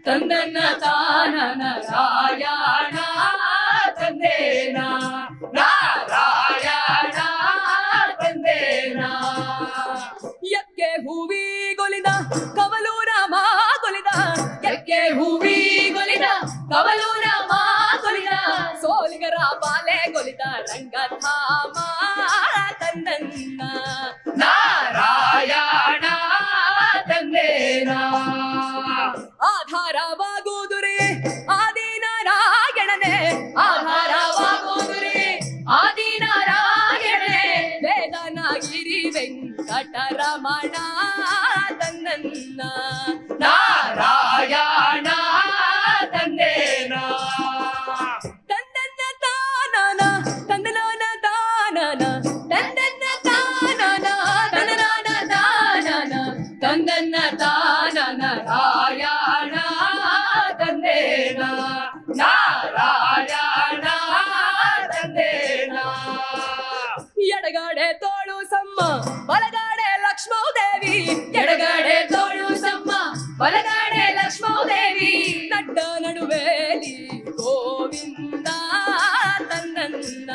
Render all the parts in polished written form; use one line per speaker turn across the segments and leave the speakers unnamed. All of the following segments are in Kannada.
ತಂದನ್ನ ತಾನನ ರಾಯಣ ತಂದೇನ ನಾರಾಯಣ ತಂದೇನ ಎಕ್ಕೆ ಹೂವಿ ಗೊಲಿದ ಕವಲೂರ ಮಾಗೊಲಿದ ಎಕ್ಕೆ ಹೂವಿ ಗೊಲಿದ ಕವಲೂರ ಮಾಗೊಲಿದ ಸೋಲಿಗರ ಬಾಲೆ ಗೊಲಿದ ರಂಗಧಾಮ ತಂದನ್ನ ನಾರಾಯಣ ತಂದೇನ ಆಧಾರವಾಗುವುದುರೇ ಆದಿನಾರಾಯಣನೇ ಆಧಾರವಾಗುವುದುರೇ ಆದಿನಾರಾಯಣನೇ ವೇದನಗಿರಿ ವೆಂಕಟರಮಣ ತಂದನ್ನ ನಾರಾಯಣ ತಂದೇನ ತಂದನ್ನ ತಾನನ ತಂದನಾನ ತಾನನ ತಂದನ್ನ ತಾನನ ತಂದನಾನ ತಾನನ ತಂದನ್ನ ತಾನನ ರಾಯಣ ತಂದೇನ ನಾರಾಯಣ ತಂದೇನ ಎಡಗಡೆ ತೋಳು ಸಮ್ಮ ಬಲಗಡೆ ಲಕ್ಷ್ಮೀದೇವಿ ಎಡಗಡೆ ತೋಳು ಸಮ್ಮ ಬಲಗಡೆ ಲಕ್ಷ್ಮೀದೇವಿ ನಡ್ಡ ನಡುವೆಲಿ ಗೋವಿಂದ ತಂದನ್ನ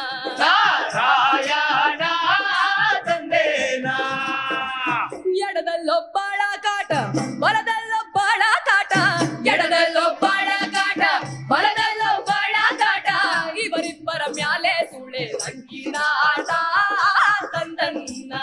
ನಾರಾಯಣ ತಂದೇನ ಎಡದಲ್ಲೊಬ್ಬಳ ಕಾಟ ಬಲದಲ್ಲೊಬ್ಬಳ ಕಾಟ ಎಡದಲ್ಲೊಬ್ಬಳ ಕಾಟ ಬಲದಲ್ಲೊಬ್ಬಳ ಕಾಟ ಇವರಿಬ್ಬರ ಮ್ಯಾಲೆ ಸುಳೆ ರಂಗಿನಾಟ ತಂದನ್ನ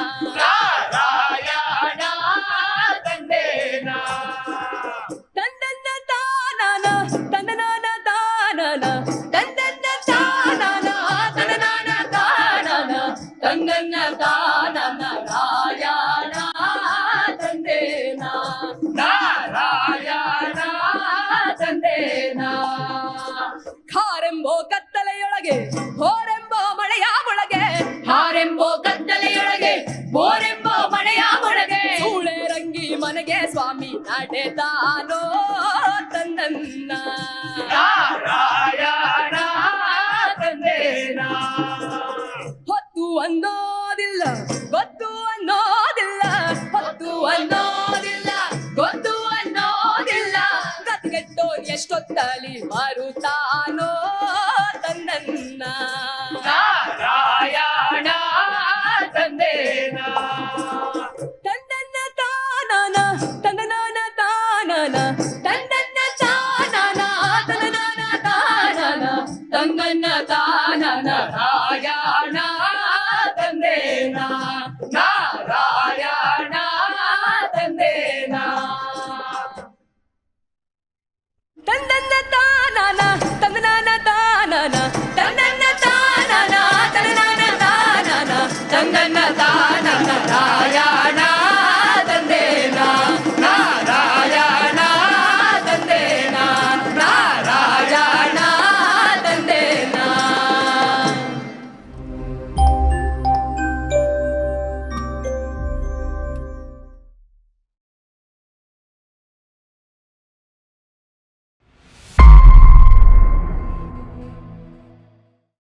ನಾರಾಯಣ ತಂದೇನ ತಂದನ್ನ ತಾನನ ತಂದನಾನ ತಾನನ ತಂದನ್ನ ತಾನನ ತಂದನಾನ ತಾನನ ತಂದನ್ನ ತಾನನ ರಾಯಣ ತಂದೇನ ನಾರಾಯಣ ತಂದೇನ ಖಾರೆಂಬೋ ಕತ್ತಲೆಯೊಳಗೆ ಹೋರೆಂಬೋ ಮಳೆಯ ಒಳಗೆ ಹಾರೆಂಬೋ ಕತ್ತಲೆಯೊಳಗೆ ಬೋರೆಂಬೋ ಮಳೆಯ ಒಳಗೆ ಸೂಳೆ ರಂಗಿ ಮನೆಗೆ ಸ್ವಾಮಿ ನಡೆದಾನೋ ತಂದನ್ನ ನಾರಾಯಣ ತಂದೇನ ಹೊತ್ತು ಅನ್ನೋದಿಲ್ಲ ಗೊತ್ತು ಅನ್ನೋದಿಲ್ಲ ಹೊತ್ತು ಅನ್ನೋದಿಲ್ಲ ಗೊತ್ತು ಅನ್ನೋದಿಲ್ಲ ಗತಿಗೆಟ್ಟೋನ್ ಎಷ್ಟೊತ್ತಲಿ ಮರುತಾನೋ ತಂದನ್ನ ನಾರಾಯಣ ತಂದೇನ ತಂದನ್ನ ತಾನನ ತಂದನಾನ ತಾನನ ತಂದನ್ನ ತಾನನ ತಂದನಾನ ತಾನನ ತಂದನ್ನ ತಾನನ